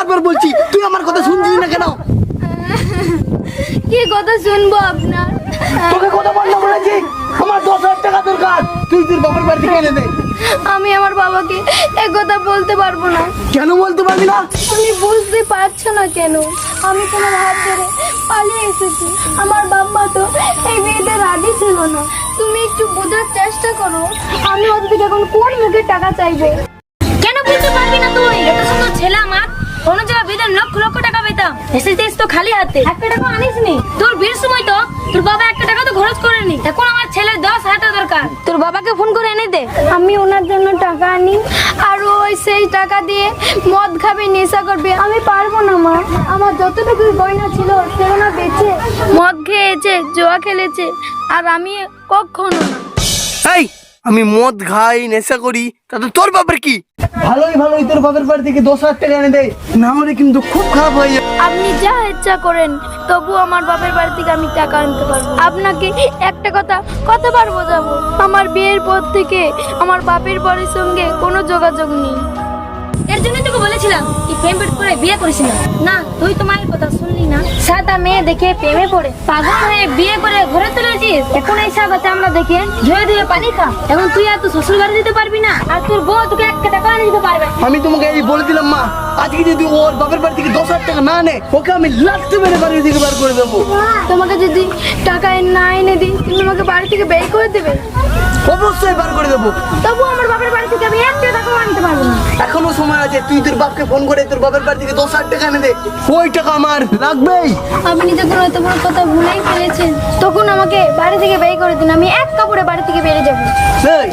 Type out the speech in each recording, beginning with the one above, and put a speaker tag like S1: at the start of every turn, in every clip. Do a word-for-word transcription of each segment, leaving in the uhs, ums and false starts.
S1: বারবার বলছি, তুই আমার কথা শুনছিস না কেন?
S2: কি কথা শুনবো আপনার?
S1: তোকে কথা বললাম বলেছি, আমার দশ হাজার টাকা দরকার, তুই তোর বাবার বাড়ি থেকে এনে দে।
S2: আমি আমার বাবাকে এক কথা বলতে পারবো না।
S1: কেন বলতে পারবি না?
S2: তুমি বুঝতে পারছো না কেন? আমি তোমার হাত ধরে পালিয়ে এসেছি। আমার বাবা তো এই বিয়েতে রাজি ছিল না। তুমি একটু বোঝার চেষ্টা করো, আমি ওদের থেকে এখন কোন মুখে টাকা চাইবো?
S3: কেন বলতে পারবি না তুই? এত সুন্দর ছেলে আমার, অন্য জায়গায় বিয়েতে লক্ষ লক্ষ টাকা পেতাম, এসেছিস তো খালি হাতে, একটা টাকা আনিস নি। তোর বিয়ের সময় তো তোর বাবা একটা টাকা তো খরচ করেনি। এখন আমার ছেলের দশ হাজার টাকা দরকার, তোর বাবাকে ফোন করে এনে দে।
S2: আমি ওনার জন্য টাকা আনি আর ওই সেই টাকা দিয়ে মদ খাবে, নেশা করবে। আমি পারবো না মা, আমার যতটুকু গয়না ছিল সেগুলো বেচে মদ খেয়েছে, জুয়া খেলেছে, আর আমি কখনো না।
S1: এই, আমি মদ খাই, নেশা করি, তাতে তোর বাবার কি? ভালোই ভালোই তোর বাবার বাড়ি থেকে দশ হাজার টাকা এনে দে, না হলে কিন্তু খুব খারাপ হয়ে যাবে।
S2: আপনি যা ইচ্ছা করেন, তবু আমার বাপের বাড়ি থেকে আমি টাকা আনতে পারবো। আপনাকে একটা কথা কতবার বোঝাবো, আমার বিয়ের পর থেকে আমার বাপের বাড়ির সঙ্গে কোনো যোগাযোগ নেই।
S3: এর জন্য তোকে বলেছিলাম কি প্রেম করে বিয়ে করিস না। না, তুই তো মায়ের কথা শুনলি না। সাদা মেয়ে দেখে প্রেমে পড়ে পাগল হয়ে বিয়ে করে ঘরে তুলেছিস। এখন এই সাদা চামড়া দেখে ধুয়ে ধুয়ে পানি খা। এখন তুই আর তুই শ্বশুর বাড়ি দিতে পারবি না, আর তোর বউ তোকে একটা টাকা এনে দিতে পারবে।
S1: আমি তোমাকে এই বলে দিলাম মা, আজকে যদি ওর বাপের বাড়ি থেকে দশ হাজার টাকা না আনে, ওকে আমি লাথি মেরে বাড়ি থেকে বার করে দেবো।
S2: তোমাকে যদি টাকা না এনে দিই, তুমি আমাকে বাড়ি থেকে বের করে দেবে?
S1: অবশ্যই বার করে দেবো।
S2: তবু আমার বাপের বাড়ি থেকে আমি একটা টাকাও আনতে পারবো না।
S1: এখনো সময় আছে, তুই তোর বাপকে ফোন করে তোর বাপের বাড়ি থেকে দশ হাজার টাকা এনে দে, ওই টাকা আমার লাগবেই।
S2: আপনি যখন এত বড় কথা ভুলেই ফেলেছেন, তখন আমাকে বাড়ি থেকে বের করে দিন, আমি এক কাপড়ে বাড়ি থেকে বেরিয়ে যাবো।
S1: এই,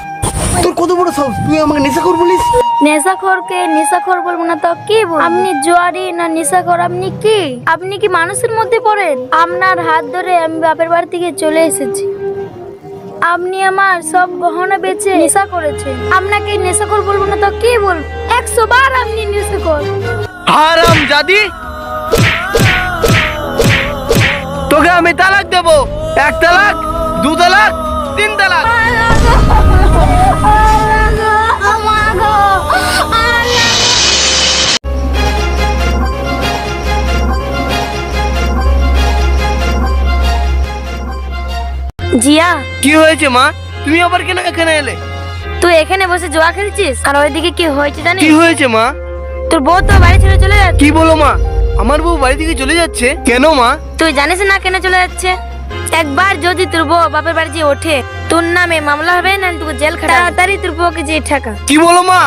S1: তোর কত বড় সাহস, তুই আমাকে নেশাখোর বলিস?
S2: নেশাখোরকে নেশাখোর বলবো না তো কি বলবো? আপনি জুয়ারি না নেশাখোর? আপনি কি আপনি কি মানুষের মধ্যে পড়েন? আপনার হাত ধরে আমি বাপের বাড়ি থেকে চলে এসেছি। আপনি আমার সব গহনা বেচে নেশা করেছেন। আপনাকে নেশাখোর বলবো না তো কি বলবো? একশো বার আপনি নেশাখোর।
S1: হারাম জাদি, তোকে আমি তালাক দেবো। এক তালাক, দু তালাক, তিন তালাক।
S3: জিয়া,
S1: কি হয়েছে মা? তুমি আবার কেন এখানে এলে?
S3: তুই এখানে বসে জুয়া খেলছিস, আর ওইদিকে কি হয়েছে জানিস?
S1: কি হয়েছে মা?
S3: তোর বউ তো বাড়ি ছেড়ে চলে যাচ্ছে।
S1: কি বলো মা? আমার বউ বাড়ি থেকে চলে যাচ্ছে কেন মা?
S3: তুই জানিস না কেন চলে যাচ্ছে? একবার যদি তোর বউ বাপের বাড়ি যেয়ে ওঠে, তোর নামে মামলা হবে, না তোকে জেল খাটা। তাড়াতাড়ি তোর বউকে যে ঠাকা।
S1: কি বলো মা?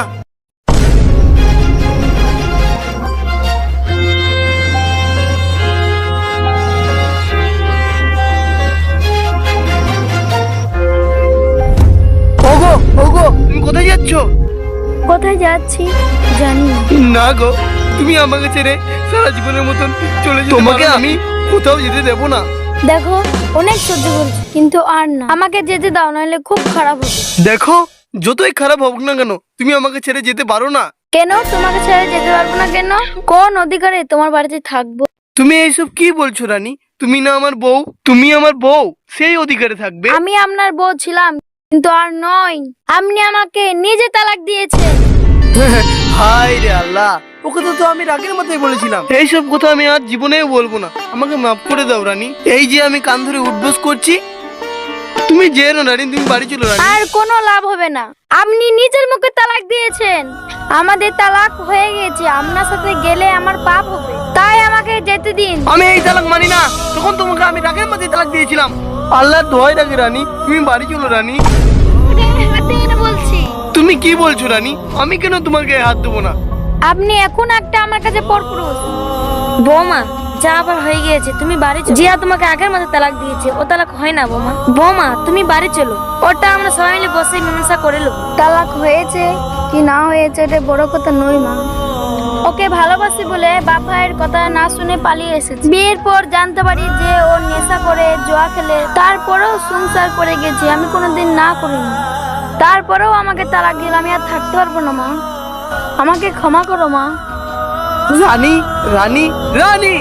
S1: ওগো ওগো, তুমি কোথায় যাচ্ছ?
S2: কোথায় যাচ্ছি জানি না।
S1: না গো, তুমি আমাকে ছেড়ে সারা জীবনের মতন চলে যেতে। তোমাকে আমি কোথাও যেতে দেবো না।
S2: দেখো, অনেক সহ্য করছি, কিন্তু আর না, আমাকে যেতে দাও, নাহলে খুব খারাপ হবে।
S1: দেখো, যতই খারাপ হোক না কেন, তুমি আমাকে ছেড়ে যেতে পারো না।
S2: কেন তোমাকে ছেড়ে যেতে পারবো না? কেন? কোন অধিকারে তোমার বাড়িতে থাকবো?
S1: তুমি এইসব কি বলছো রানী? তুমি না আমার বউ, তুমি আমার বউ, সেই অধিকারে থাকবে।
S2: আমি আপনার বউ ছিলাম, কিন্তু আর নয়। আপনি আমাকে নিজে তালাক দিয়েছেন।
S1: হায় রে আল্লাহ, ওকে তো তো আমি রাগের মাথায় বলেছিলাম। এইসব কথা আমি আর জীবনেও বলবো না, আমাকে মাফ করে দাও রানী। এই যে আমি কান ধরে উঠবোস করছি, তুমি যেও না রানী, তুমি বাড়ি চলো রানী।
S2: আর কোনো লাভ হবে না, আপনি নিজের মুখে তালাক দিয়েছেন। আমাদের তালাক হয়ে গেছে, আপনার সাথে গেলে আমার পাপ হবে, তাই আমাকে যেতে দিন।
S1: আমি এই তালাক মানি না, তখন তোমাকে আমি রাগের মাথায় তালাক দিয়েছিলাম। আল্লাহ দোহাই রাখে রানী, তুমি বাড়ি চলো রানী।
S2: বলছি,
S1: তুমি কি বলছো রানী? আমি কেন তোমাকে হাত দেবো না?
S2: আপনি এখন একটা আমার কাছে পরপুরুষ।
S3: বৌমা, যা আবার হয়ে গিয়েছে, তুমি বাড়ি চলো। জিয়া তোমাকে আগের মতো তালাক দিয়েছে, ও তালাক হয় না বৌমা। বৌমা, তুমি বাড়ি চলো, ওটা আমরা সবাই মিলে বসে মীমাংসা করে নেবো।
S2: তালাক হয়েছে কি না হয়েছে এটা বড় কথা নয় মা। ওকে ভালোবাসি বলে বাপ ভাইয়ের কথা না শুনে পালিয়ে এসেছি। বিয়ের পর জানতে পারি যে ও নেশা করে, জুয়া খেলে, তারপরেও সংসার করে গেছি, আমি কোনোদিন না করিনি। তারপরেও আমাকে তালাক দিল, আমি আর থাকতে পারবো না মা, আমাকে ক্ষমা করো মা।
S1: রানী রানী রানী,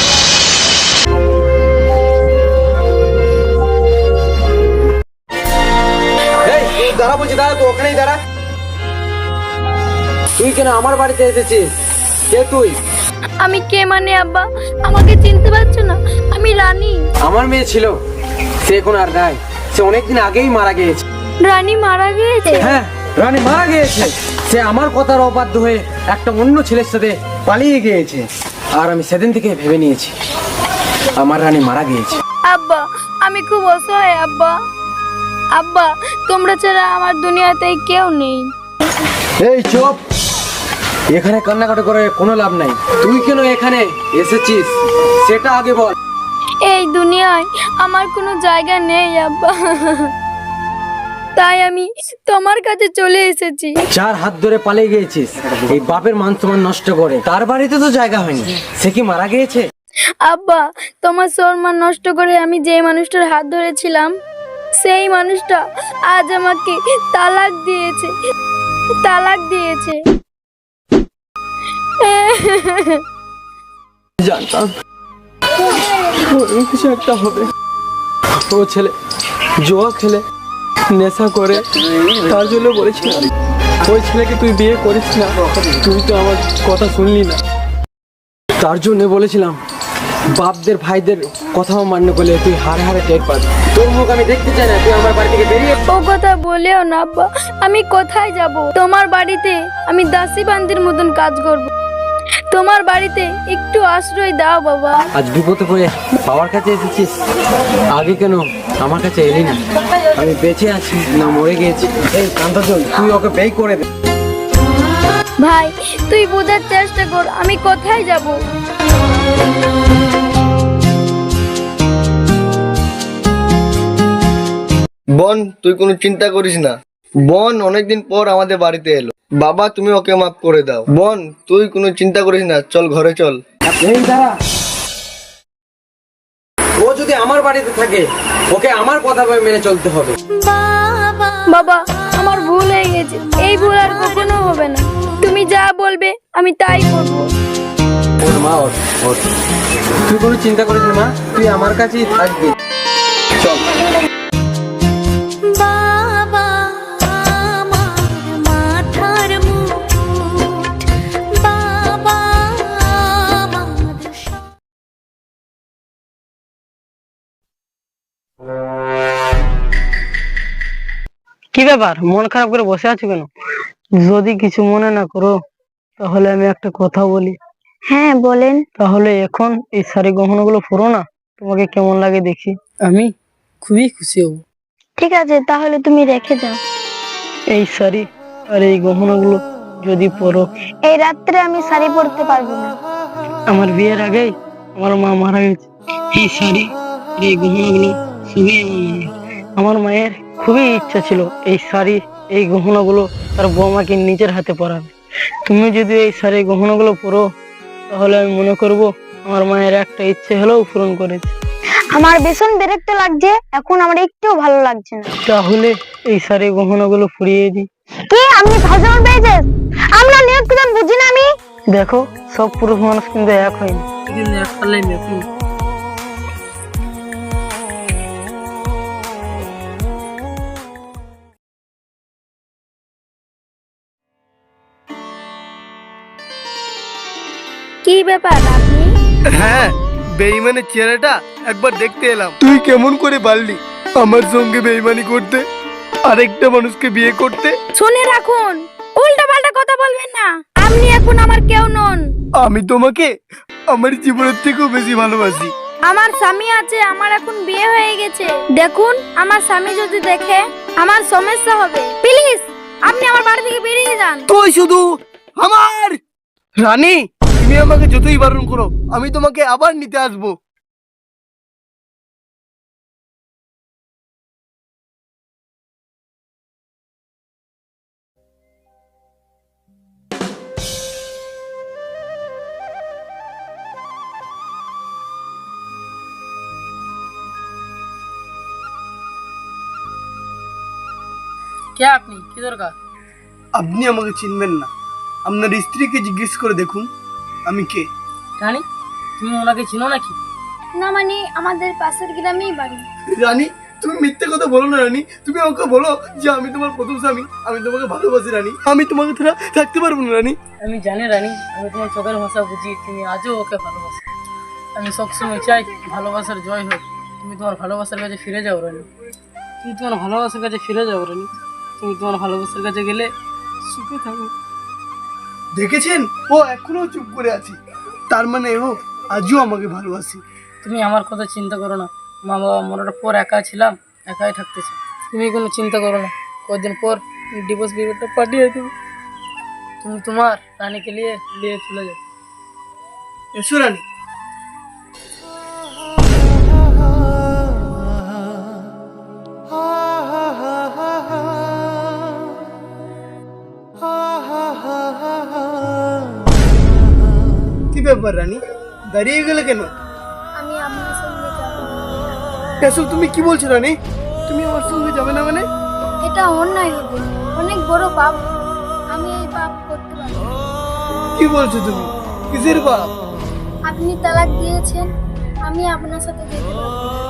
S1: দাঁড়া বলছি, দাঁড়া, তো ওখানেই দাঁড়া। তুই কেন আমার বাড়িতে এসেছিস? কে তুই?
S2: আমি কে মানে আব্বা? আমাকে চিনতে পারছো না? আমি রানী।
S4: আমার মেয়ে ছিল, সে এখন আর নাই। সে অনেকদিন আগেই মারা গিয়েছে।
S2: রানী মারা গিয়েছে?
S4: হ্যাঁ, রানী মারা গিয়েছে। সে আমার কথার অবাধ্য হয়ে একটা অন্য ছেলের সাথে পালিয়ে গিয়েছে। আর আমি সেদিন থেকে ভেবে নিয়েছি আমার রানী মারা গিয়েছে।
S2: আব্বা আমি খুব অসহায় আব্বা। আব্বা তোমরা ছাড়া আমার দুনিয়াতে কেউ নেই।
S4: এই চুপ, এখানে কান্নাকাটি করে কোনো লাভ নাই। তুই কেন এখানে এসেছিস সেটা আগে বল।
S2: এই দুনিয়ায় আমার কোনো জায়গা নেই আব্বা, তাই আমি তোমার কাছে চলে এসেছি।
S4: চার হাত ধরে পালিয়ে গিয়েছিস এই বাপের মান সম্মান নষ্ট করে। তার বাড়িতে তো জায়গা হয়নি, সে কি মারা গিয়েছে?
S2: আব্বা তোমার সম্মান নষ্ট করে আমি যে মানুষটার হাত ধরেছিলাম সেই মানুষটা আজ আমাকে তালাক দিয়েছে, তালাক দিয়েছে।
S4: জানতাম ওই কিছু একটা হবে। ও ছেলে জুয়া খেলে নেশা করে, তার জন্য বলেছিলাম ওই ছেলেকে তুই বিয়ে করিস না। তুই তো আমার কথা শুনলি না, তার জন্য বলেছিলাম বাপদের ভাইদের কথাও মান্য করলে তুই হারে হারে টের পাবি। তোর মুখ আমি দেখতে চাই না, তুই আমার বাড়ি থেকে বেরিয়ে।
S2: ও কথা বলেও না আব্বা, আমি কোথায় যাব? তোমার বাড়িতে আমি দাসী বান্দির মতন কাজ করব। তোমার বাড়িতে একটু আশ্রয় দাও বাবা।
S4: আজ বিপদে পড়ে বাবার কাছে এসেছিস, আগে কেন আমার কাছে এলি না? আমি বেঁচে আছি না মরে গিয়েছি? এই কান্তাচল, তুই ওকে বেই করে দে।
S2: ভাই তুই বোঝার চেষ্টা কর, আমি কোথায় যাব?
S1: বোন তুই কোনো চিন্তা করিস না। বোন অনেকদিন পর আমাদের বাড়িতে এলো। বাবা তুমি ওকে মাফ করে দাও। বোন তুই কোনো চিন্তা করিস না, চল ঘরে চল।
S4: এই দাঁড়া, ও যদি আমার বাড়িতে থাকে ওকে আমার কথা মেনে চলতে হবে।
S2: বাবা আমার ভুল হয়ে গেছে, এই ভুল আর কখনো হবে না। তুমি যা বলবে আমি তাই করব।
S4: ওর মা ওর ওর তুই কোনো চিন্তা করিস না মা, তুই আমার কাছেই থাকবি। চল।
S5: কি ব্যাপার, মন খারাপ করে বসে আছো কেন? যদি কিছু মনে না করো তাহলে আমি একটা কথা বলি।
S2: হ্যাঁ বলেন।
S5: তাহলে এখন এই শাড়ি গহনাগুলো পরো না, তোমাকে কেমন লাগে দেখি। আমি খুবই খুশি হব।
S2: ঠিক আছে তাহলে তুমি রেখে যাও।
S5: এই শাড়ি আর এই গহনাগুলো যদি পরো।
S2: এই রাত্রে আমি শাড়ি পরতে পারবো না।
S5: আমার বিয়ের আগেই আমার মা মারা গেছে। এই শাড়ি আর এই গহনাগুলো সবই আমার মায়ের। আমার মায়ের খুবই ইচ্ছা ছিল এই শাড়ি এই গহনাগুলো তার বৌমাকে নিজের হাতে পরাবে। তুমি যদি এই শাড়ি গহনাগুলো পরো তাহলে আমি মনে করব আমার মায়ের একটা ইচ্ছে হলেও পূরণ করেছে।
S2: আমার ভীষণ বিরক্ত লাগছে, এখন আমার একটু ভালো লাগছে না।
S5: তাহলে এই শাড়ি গহনাগুলো পরিয়ে দিই।
S2: কি আপনি ফাজলাম পেয়েছেন? আমরা নিয়ত কানুন বুঝি না আমি।
S5: দেখো সব পুরুষ মানুষ কিন্তু এক হয়নি, কিন্তু এক পাল্লাই মেপি।
S2: কি ব্যাপার আপনি?
S1: হ্যাঁ বেইমানের চেহারাটা একবার দেখতে এলাম। তুই কেমন করে পারলি আমার সঙ্গে বেইমানি করতে, আরেকটা মানুষকে বিয়ে করতে?
S2: শুনে রাখুন, উল্টা পাল্টা কথা বলবেন না। আপনি এখন আমার কেউ নন।
S1: আমি তোমাকে আমার জীবনের থেকেও বেশি ভালোবাসি।
S2: আমার স্বামী আছে, আমার এখন বিয়ে হয়ে গেছে। দেখুন আমার স্বামী যদি দেখে আমার সমস্যা হবে। প্লিজ আপনি আমার বাড়ি থেকে বেরিয়ে যান।
S1: তুই শুধু আমার রানী, তুমি আমাকে যতই বারণ করো আমি তোমাকে আবার নিতে আসবো।
S5: কে আপনি? কি দরকার?
S1: আপনি আমাকে চিনবেন না, আপনার স্ত্রীকে জিজ্ঞেস করে দেখুন আমি কে।
S5: রানী তুমি ওনাকে চিনো নাকি?
S2: না মানে আমাদের পাশের গ্রামেই বাড়ি।
S1: রানী তুমি মিথ্যে কথা বলো না রানী। তুমি আমাকে বলো যে আমি তোমার প্রথম স্বামী, আমি তোমাকে ভালোবাসি রানী, আমি তোমাকে ছাড়া থাকতে পারবো না রানী।
S5: আমি জানি রানী, আমি তোমার চোখের ভাষা বুঝি, তুমি আজও ওকে ভালোবাসো। আমি সবসময় চাই ভালোবাসার জয় হোক। তুমি তোমার ভালোবাসার কাছে ফিরে যাও রানী, তুমি তোমার ভালোবাসার কাছে ফিরে যাও রানী। তুমি তোমার ভালোবাসার কাছে গেলে সুখে থাকো।
S1: দেখেছেন, ও এখনো চুপ করে আছে, তার মানে ও আজও আমাকে ভালোবাসি।
S5: তুমি আমার কথা চিন্তা করো না, মা বাবা মরার পর একা ছিলাম, একাই থাকতে চাই। তুমি কোনো চিন্তা করো না, কদিন পর ডিভোর্স পেপারটা পাঠিয়ে দেবো, তুমি তোমার রানীকে নিয়ে নিয়ে চলে যাও।
S1: এসো রানী। কি ব্যাপার রানী, দাঁড়িয়ে গেলে কেন?
S2: আমি আপনার সঙ্গে যাব।
S1: এসব তুমি কি বলছো রানী? তুমি আমার সঙ্গে যাবে না মানে?
S2: এটা অন্যায় হবে, অনেক বড় পাপ। আমি এই পাপ করতে পারবো না।
S1: কি বলছো তুমি? কিসের বাপ?
S2: আপনি তালাক দিয়েছেন, আমি আপনার সাথে যেতে পারবো না।